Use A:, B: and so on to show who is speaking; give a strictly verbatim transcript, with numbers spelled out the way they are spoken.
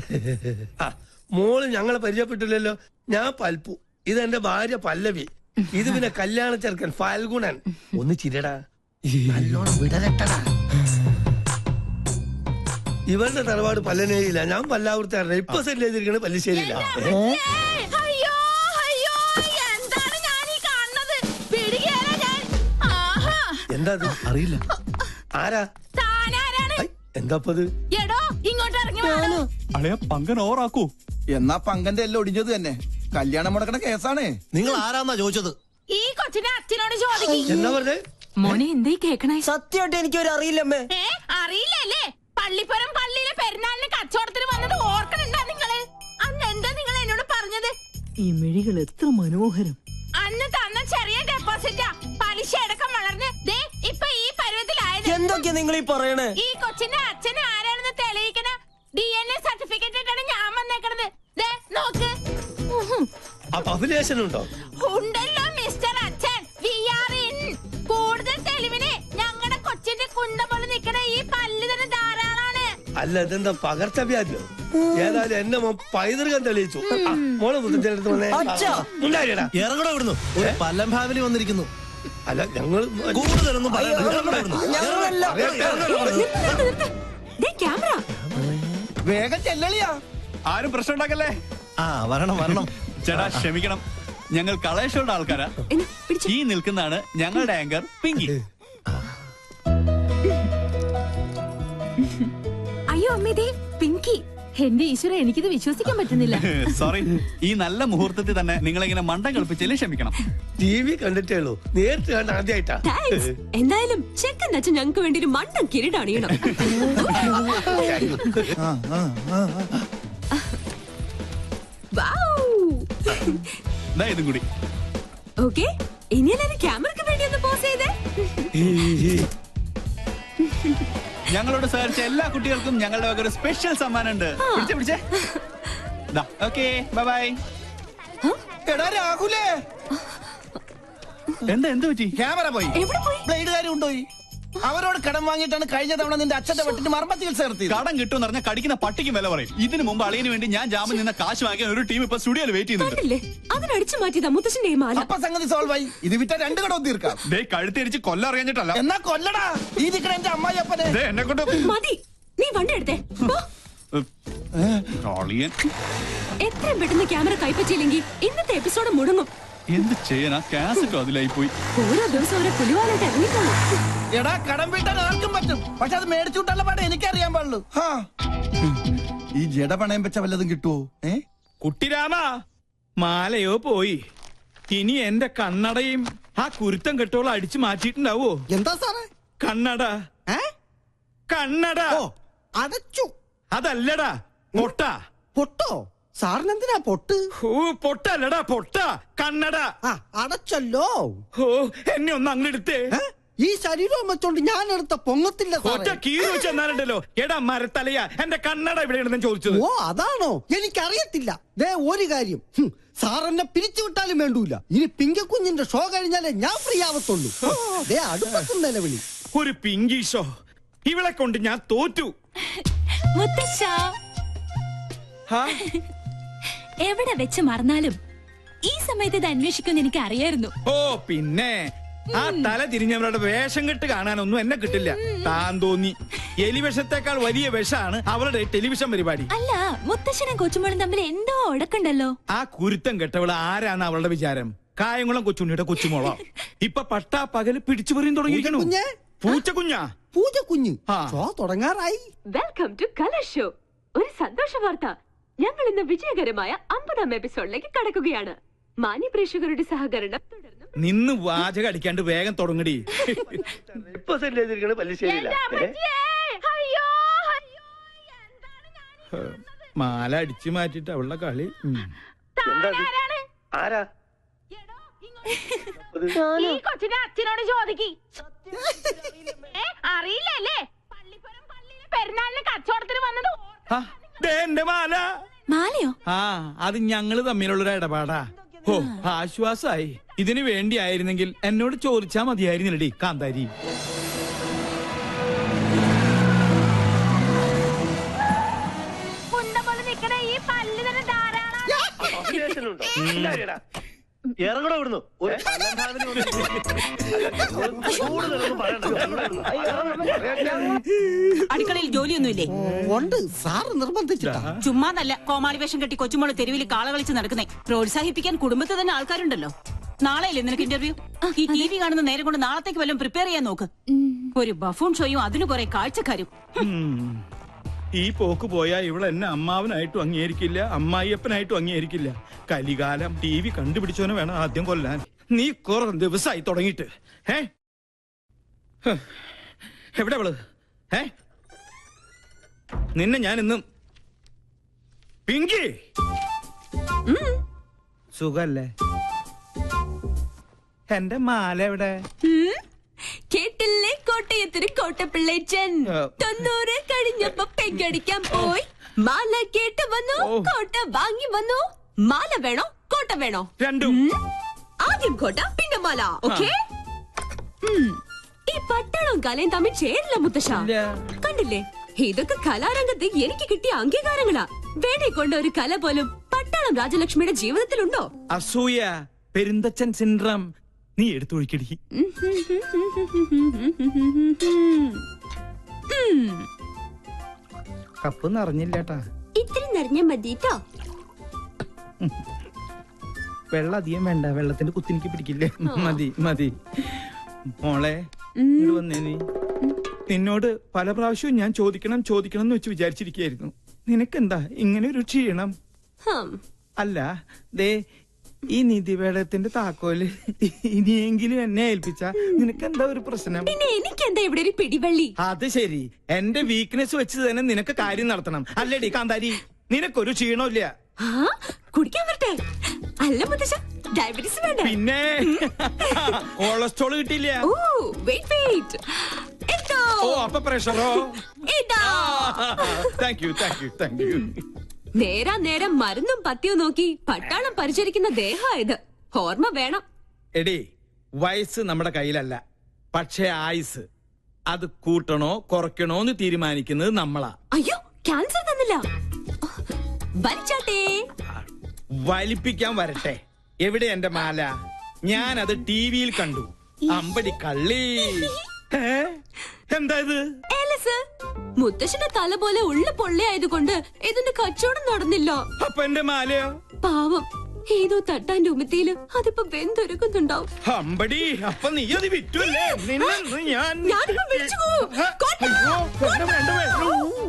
A: മോള് ഞങ്ങളെ പരിചയപ്പെട്ടില്ലല്ലോ. ഞാൻ പൽപ്പു, ഇതെന്റെ ഭാര്യ പല്ലവി, ഇത് പിന്നെ കല്യാണ ചെറുക്കൻ ഫാൽഗുണൻ. ഒന്ന് ചിരടാ, നല്ലോണം വിടരട്ടടാ. ഇവരുടെ തറവാട് പല്ലനേരിയില്ല, ഞാൻ പല്ലാവൂർത്താറില്ല. ഇപ്പൊ സെറ്റ് ചെയ്തിരിക്കണ പല്ലിശ്ശേരിയില്ല. എന്താ അറിയില്ല. ആരാ എന്താപ്പത്?
B: പങ്കൻ ഓറാക്കൂ.
C: എന്നാ പങ്കന്റെ എല്ലാം ഒടിഞ്ഞത് തന്നെ. കല്യാണം മുടക്കണ കേസാണേ.
D: നിങ്ങൾ ആരാന്നാ ചോദിച്ചത്?
E: ഈ കൊച്ചിനെ അച്ഛനോട് ചോദിക്കും.
A: എന്താ പറഞ്ഞേ
E: മോനെ എന്തേ കേക്കണേ?
F: സത്യമായിട്ട് എനിക്കൊരു അറിയില്ലമ്മേ.
E: അറിയില്ലല്ലേ? പള്ളിപ്പുരം പള്ളിയിലെ പെരുന്നാളിന് കച്ചവടത്തിന് വന്നത് ഓർക്കണുണ്ടാ നിങ്ങള്? അന്ന് എന്താ നിങ്ങൾ എന്നോട് പറഞ്ഞത്?
F: ഈ മിഴികൾ എത്ര മനോഹരം.
E: അന്ന് തന്ന ചെറിയ ഡെപ്പോസിറ്റാ പലിശ അടക്കം വളർന്ന് ദേ ഇപ്പൊ ഈ പരുവത്തിലായത്.
F: എന്തൊക്കെയാ നിങ്ങൾ ഈ പറയണേ?
E: ഈ കൊച്ചിന്റെ അച്ഛന് ആരാണെന്ന് തെളിയിക്കണ ഡി എൻ എ സർട്ടിഫിക്കറ്റ് ഇട്ടാണ് ഞാൻ വന്നേക്കണത്. ദേ നോക്ക്.
A: ഉണ്ടോ?
E: ഉണ്ടല്ലോ മിസ്റ്റർ അച്ഛൻ. We are in. കൂടുതൽ തെളിവിന് ഞങ്ങളുടെ കൊച്ചിന്റെ കുണ്ട പോലെ നിൽക്കണ ഈ പല്ല് തന്നെ ധാരാളാണ്.
A: അല്ല ഇതെന്താ പകർച്ചവ്യാധിയോ? ഏതായാലും എന്നെ പൈതൃകം തെളിയിച്ചു. മോളെ മുത്തച്ഛനടുത്ത് വന്നേ.
D: ഇറങ്ങടോ ഇവിടുന്നു. ഒരു പല്ലം ഫാമിലി വന്നിരിക്കുന്നു.
A: അല്ല ഞങ്ങൾ
D: കൂടുതലൊന്നും
C: വേഗം ചെല്ലളിയാ.
B: ആരും പ്രശ്നം ഉണ്ടാക്കല്ലേ.
D: ആ വരണം വരണം.
B: ചേട്ടാ ക്ഷമിക്കണം, ഞങ്ങൾ കളേഷോയുടെ ആൾക്കാരാ. ഈ നിൽക്കുന്നതാണ് ഞങ്ങളുടെ ആങ്കർ പിങ്കി.
E: അയ്യോ അമ്മേ, പിങ്കി. എന്റെ ഈശ്വര, എനിക്കിത് വിശ്വസിക്കാൻ പറ്റുന്നില്ല.
B: സോറി, ഈ നല്ല മുഹൂർത്തത്തിൽ തന്നെ നിങ്ങളിങ്ങനെ മണ്ടം കളിപ്പിച്ചതിൽ ക്ഷമിക്കണം.
A: ടി വി കണ്ടിട്ടേ ഉള്ളൂ, നേരിട്ട് കണ്ട ആദ്യമായിട്ടാ.
E: എന്തായാലും ചെക്കൻ അച്ഛൻ ഞങ്ങൾക്ക് വേണ്ടി ഒരു മണ്ടൻ കിരീടണിയണം.
B: ഇതും കൂടി.
E: ഓക്കെ, ഇനി എല്ലാവരും ക്യാമറയ്ക്ക് വേണ്ടി ഒന്ന് പോസ് ചെയ്തേ.
B: ഞങ്ങളോട് സഹകരിച്ച എല്ലാ കുട്ടികൾക്കും ഞങ്ങളുടെ വക ഒരു സ്പെഷ്യൽ സമ്മാനം ഉണ്ട്. പിടിച്ചേ പിടിച്ചേ. Okay bye bye.
C: എടാ രാഹുലേ,
B: എന്താ എന്ത് പറ്റി?
C: ക്യാമറ പോയി, ബ്ലേഡുകാരും കൊണ്ടുപോയി. അവരോട് കടം വാങ്ങിയിട്ടാണ് കഴിഞ്ഞ തവണ നിന്റെ അച്ഛന്റെ വെട്ടിന് മർമ്മ ചികിത്സ നടത്തി.
B: കടം കിട്ടും പറഞ്ഞാൽ കടിക്കുന്ന പട്ടിക്കും വില പറയും. ഇതിനു മുമ്പ് അളിയന് വേണ്ടി ഞാൻ ജാമ്യം നിന്ന കാശ് വാങ്ങിയ ഒരു ടീം ഇപ്പൊ സ്റ്റുഡിയോയിൽ വെയിറ്റ് ചെയ്യുന്നുണ്ട്.
E: അതിനടിച്ചു മാറ്റിയതാ മുത്തശ്ശന്റെ മാല.
C: അപ്പൊ സംഗതി സോൾവ് ആയി. ഇത് വിറ്റ രണ്ട് കടവും തീർക്കാം.
B: ദേ കഴുത്തിരിച്ച് കൊല്ലം അറിയാഞ്ഞിട്ടല്ല.
C: എന്നാ കൊല്ലടാ. ഈ നിക്കണ എന്റെ അമ്മായി അപ്പനെ
B: എന്നെ കൊണ്ട്
E: മതി. നീ വണ്ടി എടുത്തേ. എത്രയും പെട്ടെന്ന് ക്യാമറ കൈപ്പറ്റിയില്ലെങ്കിൽ ഇന്നത്തെ എപ്പിസോഡ് മുടങ്ങും.
B: എന്ത് ചെയ്യാനാ? കാസറ്റോ അതിലായി പോയി.
E: ഓരോ ദിവസം ഓരോ പുലിവാലായിട്ട് ഇറങ്ങിക്കോളൂ.
C: എടാ കടം വീട്ടാൻ ആർക്കും പറ്റും, പക്ഷെ അത് മേടിച്ചു വിട്ടുള്ള പാടെ എനിക്കറിയാൻ പാടുള്ളൂ. ഈ ജഡ പണയം വെച്ച വല്ലതും കിട്ടുവോ? ഏ
G: കുട്ടിരാമ, മാലയോ പോയി. ഇനി എന്റെ കണ്ണടയും ആ കുരുത്തം കെട്ടോളം അടിച്ചു മാറ്റിയിട്ടുണ്ടാവോ?
D: എന്താ സാറേ?
G: കണ്ണട. കണ്ണട
D: അടച്ചു.
G: അതല്ലടാ പൊട്ട.
D: പൊട്ടോ? സാറിനെന്തിനാ പൊട്ട്?
G: ഓ പൊട്ടല്ലടാ പൊട്ട. കണ്ണട
D: അടച്ചല്ലോ.
G: ഓ എന്നെ ഒന്ന് അങ്ങെടുത്തേ.
D: ഈ ശരീരം വെച്ചോണ്ട് ഞാൻ എടുത്ത പൊങ്ങത്തില്ല.
G: ഒറ്റ കീറി വെച്ച് എന്നാലുണ്ടല്ലോ. എടാ മരത്തലയാ, എന്റെ കണ്ണട എവിടെയാണെന്ന് ചോദിച്ചത്.
D: ഓ അതാണോ? എനിക്കറിയത്തില്ല. ദേ ഒരു കാര്യം, സാർ എന്നെ പിരിച്ചു വിട്ടാലും വേണ്ടൂല. ഇനി പിങ്കക്കുഞ്ഞിന്റെ ഷോ കഴിഞ്ഞാലേ ഞാൻ ഫ്രീ ആവത്തുള്ളൂ. ദേ അടുപ്പത്തും നിലവിളി.
G: ഒരു പിങ്കി ഷോ? ഇവളെ കൊണ്ട് ഞാൻ തോറ്റു.
E: എവിടെ വെച്ച് മറന്നാലും ഈ സമയത്ത് ഇത് അന്വേഷിക്കുമെന്ന് എനിക്ക് അറിയായിരുന്നു.
G: ഓ പിന്നെ ആ തല തിരിഞ്ഞവരുടെ വേഷം കെട്ട് കാണാനൊന്നും എന്നെ കിട്ടില്ല. താൻ തോന്നി. എലിവിഷത്തെക്കാൾ വലിയ വിഷമാണ് അവളുടെ ടെലിവിഷൻ പരിപാടി.
E: അല്ല, മുത്തശ്ശനും കൊച്ചുമോളും തമ്മിൽ എന്തോ ഉടക്കുണ്ടല്ലോ.
G: ആ കുരുത്തം കെട്ടവള് ആരാണ് അവളുടെ വിചാരം? കായംകുളം കൊച്ചുണ്ണിയുടെ കൊച്ചുമോളോ? ഇപ്പൊ പട്ടാ പകല് പിടിച്ചു പറയും തുടങ്ങിയിരിക്കണു. പൂച്ചക്കുഞ്ഞാ?
D: പൂച്ചക്കുഞ്ഞ് ഷോ തുടങ്ങാറായി.
E: Welcome to colour show. ഒരു സന്തോഷ വാർത്ത, ഞങ്ങൾ ഇന്ന് വിജയകരമായ അമ്പതാം എപ്പിസോഡിലേക്ക് കടക്കുകയാണ്. മാന്യ പ്രേക്ഷകരുടെ സഹകരണം തുടർന്നും.
G: നിന്ന് വാചകം അടിക്കാണ്ട് വേഗം തുടങ്ങടി.
A: ഇപ്പൊ സെറ്റ് ചെയ്തിരിക്കണ പല്ലിശ്ശേരിയില്ല.
G: മാല അടിച്ചു മാറ്റിട്ട് അവളുടെ കളി.
A: ആരാ?
E: ഈ കൊച്ചിന്റെ അച്ഛനോട് ചോദിക്കി. അറിയില്ലല്ലേ? പള്ളിപ്പുരം പള്ളിയിലെ പെരുന്നാളിന് കച്ചവടത്തിന് വന്നത്.
G: എന്റെ മാല.
E: മാലയോ?
G: ആ അത് ഞങ്ങള് തമ്മിലുള്ളൊരു ഇടപാടാ. ഓ ആശ്വാസായി. ഇതിനു വേണ്ടിയായിരുന്നെങ്കിൽ എന്നോട് ചോദിച്ചാ മതിയായിരുന്നില്ലടി കാന്താരി.
E: കൊന്ത പോലെ നിക്കണ ഈ പല്ല് തന്നെ ധാരാളം.
A: അഭിലാഷനുണ്ടോ? ഇല്ലാരിടാ. ഇറങ്ങണോ ഇവിടുന്ന് ഒരു അലങ്കാരത്തിന് ഒരു- കൂടുതലൊന്നും പറയണ്ട.
H: അടുക്കളയിൽ ജോലിയൊന്നുമില്ലേ?
D: ഉണ്ട്, സാറ് നിർബന്ധിച്ചിട്ടാ.
H: ചുമ്മാതല്ല കോമാളി വേഷം കെട്ടി കൊച്ചുമോള് തെരുവിൽ കാള കളിച്ച് നടക്കുന്നേ. പ്രോത്സാഹിപ്പിക്കാൻ കുടുംബത്തിൽ തന്നെ ആൾക്കാരുണ്ടല്ലോ. നാളെയല്ലേ നിനക്ക് ഇന്റർവ്യൂ? ഈ ടി വി കാണുന്ന നേരം കൊണ്ട് നാളത്തേക്ക് വല്ലതും പ്രിപ്പയർ ചെയ്യാൻ നോക്ക്. ഒരു ബഫൂൺ ഷോയും അതിന് കുറെ കാഴ്ചക്കാരും.
G: ഈ പോക്ക് പോയാ ഇവിടെ എന്നെ അമ്മാവനായിട്ടും അംഗീകരിക്കില്ല, അമ്മായിയപ്പനായിട്ടും അംഗീകരിക്കില്ല. കലികാലം ടി വി കണ്ടുപിടിച്ചവനെ വേണം ആദ്യം കൊല്ലാൻ. നീ കുറെ ദിവസമായി തുടങ്ങിയിട്ട്. ഏ ഹ്. എവിടെ അവള്? ഏ നിന്നെ ഞാൻ ഇന്നും പിങ്കി സുഖല്ലേ? എന്റെ മാല എവിടെ?
E: കേട്ടില്ലേ കോട്ടയത്തൊരു കോട്ടപ്പിള്ളേച്ചൻ തൊണ്ണൂറ് കഴിഞ്ഞപ്പോ പെങ്കടിക്കാൻ പോയി. മാല കേട്ട് വന്നു, കോട്ട വാങ്ങി വന്നു. മാല വേണോ കോട്ട വേണോ?
G: രണ്ടും.
E: ആദ്യം കോട്ട പിന്നെ മാല. ഓക്കേ. ഈ പട്ടാളവും കലയും തമ്മിൽ ചേരില്ല മുത്തശ്ശ. കണ്ടില്ലേ, ഇതൊക്കെ കലാരംഗത്ത് എനിക്ക് കിട്ടിയ അംഗീകാരങ്ങളാ. വേണേ കൊണ്ട ഒരു കല പോലും പട്ടാളം രാജലക്ഷ്മിയുടെ ജീവിതത്തിലുണ്ടോ?
G: അസൂയ, പെരുന്തച്ചൻ സിൻഡ്രം. നീ എടുത്തൊഴിക്കടി. കപ്പ് നിറഞ്ഞില്ലേട്ടാ.
E: ഇത്തിരി നിറഞ്ഞ മതിട്ടോ.
G: വെള്ളം അധികം വേണ്ട, വെള്ളത്തിന്റെ കുത്തിനിക്ക് പിടിക്കില്ലേ. മതി മതി. മോളെ ഇങ്ങട് വന്നേ. നീ നിന്നോട് പല പ്രാവശ്യവും ഞാൻ ചോദിക്കണം ചോദിക്കണം എന്ന് വെച്ച് വിചാരിച്ചിരിക്കുകയായിരുന്നു. നിനക്കെന്താ ഇങ്ങനെ ഒരു ക്ഷീണം? അല്ല, ദേ ഈ നിധിവേളത്തിന്റെ താക്കോല് ഇനിയെങ്കിലും എന്നെ ഏൽപ്പിച്ച നിനക്കെന്താ ഒരു പ്രശ്നം?
E: പിന്നെ എനിക്കെന്താ ഇവിടെ ഒരു പിടിവള്ളി?
G: അത് ശരി, എന്റെ വീക്ക്നെസ് വെച്ച് തന്നെ നിനക്ക് കാര്യം നടത്തണം അല്ലേടി കാന്താരി? നിനക്കൊരു ക്ഷീണമില്ല.
E: കുടിക്കാൻ വരട്ടെ? അല്ല മുത്തശ്ശ, ഡയബറ്റീസ് വേണ്ട.
G: പിന്നെ കൊളസ്ട്രോൾ കിട്ടിയില്ല.
E: Oh wait wait. എന്തോ?
G: ഓ അപ്പൊ പ്രഷറോ?
E: ഇതാ.
G: Thank you thank you thank you.
E: നേരാ നേരം മരുന്നും പത്തിയും നോക്കി പട്ടാളം പരിചരിക്കുന്ന ദേഹായത്. ഓർമ്മ വേണം.
G: എടി, വയസ്സ് നമ്മുടെ കയ്യിലല്ല, പക്ഷേ ആയുസ് അത് കൂട്ടണോ കുറയ്ക്കണോ എന്ന് തീരുമാനിക്കുന്നത് നമ്മളാ.
E: അയ്യോ, ക്യാൻസർ തന്നില്ല. വലിച്ചാട്ടേ.
G: വലിപ്പിക്കാൻ വരട്ടെ. എവിടെ എന്റെ മാല? ഞാൻ അത് ടി വിയിൽ കണ്ടു. അമ്പടി കള്ളി. എന്താ ഇത്?
E: ഏലസ്. മുത്തശ്ശന്റെ തല പോലെ ഉള്ള പൊള്ളയായതുകൊണ്ട് ഇതിന്റെ കച്ചവടം നടന്നില്ല.
G: അപ്പൊ എന്റെ മാലയോ?
E: പാവം, ഏതോ തട്ടാന്റെ ഉമിത്തിയില് അതിപ്പോ വെന്തൊരുക്കുന്നുണ്ടാവും.
G: അമ്പടി, അപ്പൊ നീ അത് വിറ്റുവല്ലേ? നിന്നെ ഞാൻ
E: ഞാനിപ്പോ വിളിച്ചു പോവും.
G: അയ്യോ, വേണ്ട, വേണ്ട, വേണ്ട.